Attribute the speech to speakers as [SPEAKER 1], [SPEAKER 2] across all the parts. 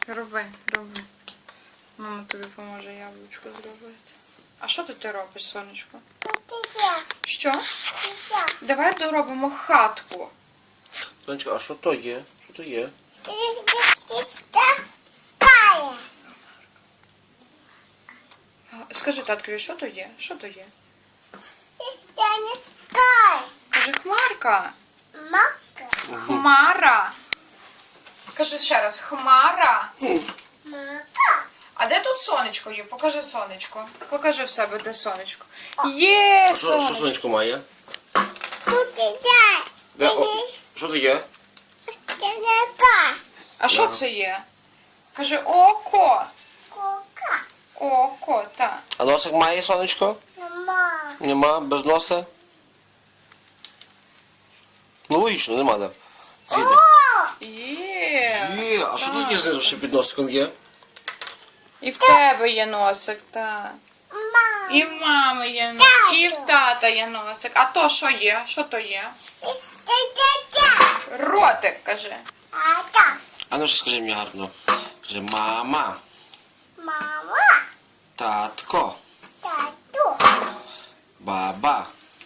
[SPEAKER 1] Роби, роби. Мама тобі поможе яблучко зробити. А що тут ти робиш, сонечко? Що? Давай доробимо хатку.
[SPEAKER 2] Сонечко, а що то є? Що то є?
[SPEAKER 1] Скажи таткові, що то є? Що то є? Каже, хмарка. Хмара. Кажи ще раз, хмара. А де тут сонечко є? Покажи сонечко. Покажи в себе, де сонечко. Є,
[SPEAKER 2] Що
[SPEAKER 1] сонечко.
[SPEAKER 2] сонечко має? Що то є?
[SPEAKER 1] А що це є? Каже, око. Око, так.
[SPEAKER 2] А носик має сонечко? Нема, без носа? Ну логічно, нема, да.
[SPEAKER 1] Є.
[SPEAKER 2] Є, а що тут є знизу ще під носиком є?
[SPEAKER 1] І в тебе є носик, так. І в мами є носик, і в тата є носик. А то що є? Що то є? Ротик, каже.
[SPEAKER 2] А ну що скажи мені гарно. Скажи, мама, татко, баба,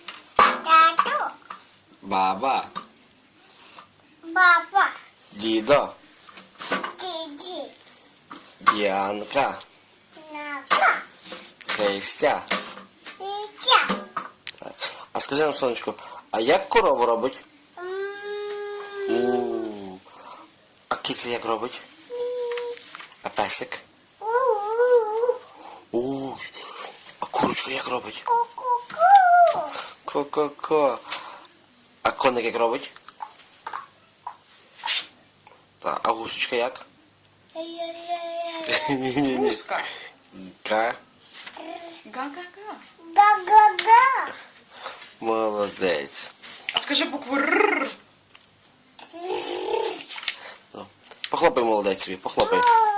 [SPEAKER 2] баба, дідо, Діанка, Христя. Так. А скажи нам, сонечко, а як корову робить? А киця як робить? А песик? А курочка як робить? Ко-ко-ко. А коник як робить? Так, а гусочка як? Ні-ні-ні.
[SPEAKER 1] Гуска.
[SPEAKER 2] Ка.
[SPEAKER 1] Га-га-га.
[SPEAKER 2] Молодець.
[SPEAKER 1] А скажи букву Р.
[SPEAKER 2] Ну, похлопай, молодець собі, похлопай.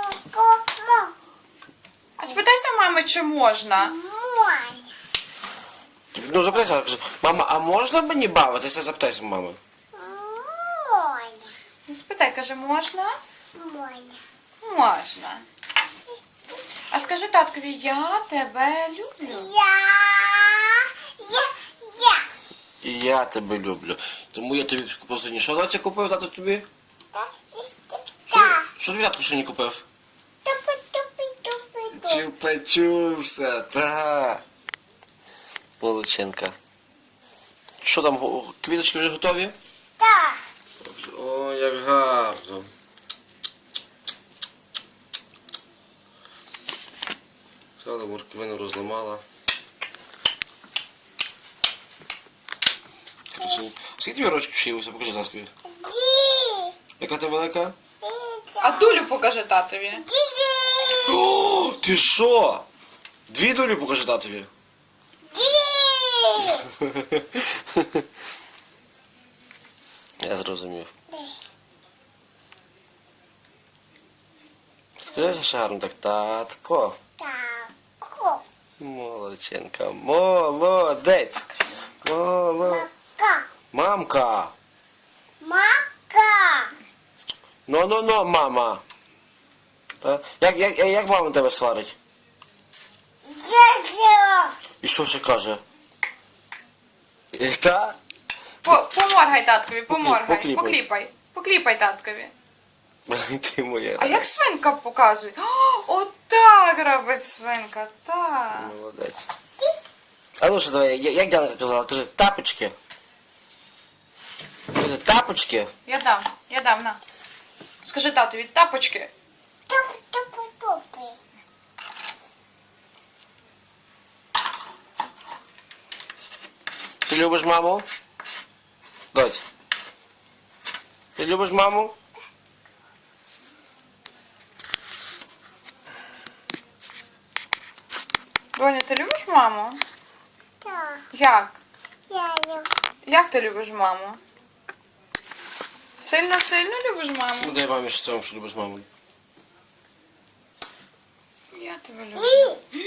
[SPEAKER 1] А спитайся мами, чи можна.
[SPEAKER 2] Ну, запитайся, кажи, мама, а можна мені бавитися? Запитайся, мами.
[SPEAKER 1] Ну, спитай, каже, можна? Можна. А скажи таткові, я тебе люблю.
[SPEAKER 2] І я тебе люблю. Тому я тобі купив сьогодні. Що доця купив тато тобі? Що тобі татко сьогодні купив? Чупа-чупса, та. Молодчинка. Що там, квіточки вже готові? О, як гарно. Сала морквину розламала. Красиво. Скільки тобі рочків шиїлося? Покажи таткові. Яка ти велика?
[SPEAKER 1] А дулю покажи татові.
[SPEAKER 2] О, ти що? Дві долі покажи татові. Я зрозумів. Скажи ще гарно так, татко. Молодчинка, молодець. Мамка. Ну, мама. Та? Як мама тебе сварить? І що ще каже? Та?
[SPEAKER 1] Поморгай таткові, поморгай.
[SPEAKER 2] Покліпай.
[SPEAKER 1] Покліпай. Покліпай таткові.
[SPEAKER 2] Ти моя.
[SPEAKER 1] А як свинка показує? Отак робить свинка, так.
[SPEAKER 2] Молодець. А ну що, давай, як Діанка казала? Кажи, тапочки. Кажи, тапочки.
[SPEAKER 1] Я дам, на. Скажи татові, тапочки.
[SPEAKER 2] Ти любиш маму? Доць. Ти любиш маму?
[SPEAKER 1] Доня, ти любиш маму? Як? Як ти любиш маму? Сильно любиш маму?
[SPEAKER 2] Ну дай мамі що що любиш маму.
[SPEAKER 1] Я тебе люблю.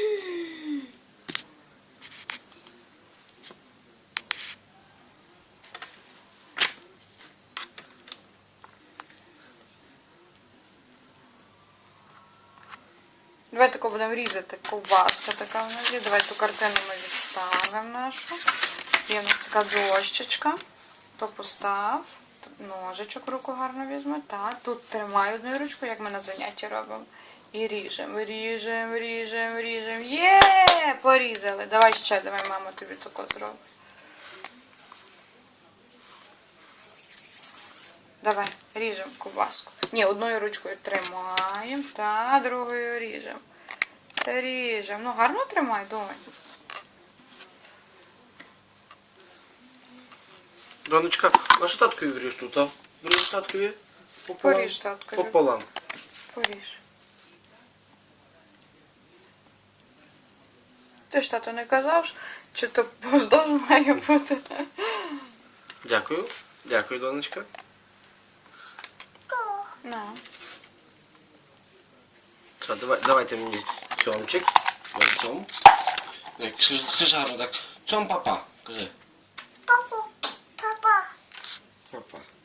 [SPEAKER 1] Давай тако будемо різати. Ковбаска така в нас є. Давай ту картину ми відставимо нашу. Є в нас така дощечка. То постав. Тут ножичок в руку гарно візьме. Так, тут тримай одною ручкою, як ми на занятті робимо. І ріжемо, ріжемо, ріжемо, ріжемо. Є! Порізали. Давай ще, давай, мама тобі тако зробить. Давай, ріжемо ковбаску. Ні, одною ручкою тримаємо, та другою ріжемо. Та ріжемо. Ну, гарно тримай, думай.
[SPEAKER 2] Донечка, а що таткові вріж тут, а? Вріж таткові?
[SPEAKER 1] Поріж, таткові.
[SPEAKER 2] Пополам.
[SPEAKER 1] Поріж. Ти ж, тато, не казав, чи то поздовж має бути?
[SPEAKER 2] Дякую. Дякую, донечка.
[SPEAKER 1] На.
[SPEAKER 2] Все, давайте мені цьомчик. Ой, цьом. Скажи гарно так. Цьом папа. Кажи.
[SPEAKER 3] Папа.
[SPEAKER 2] Папа.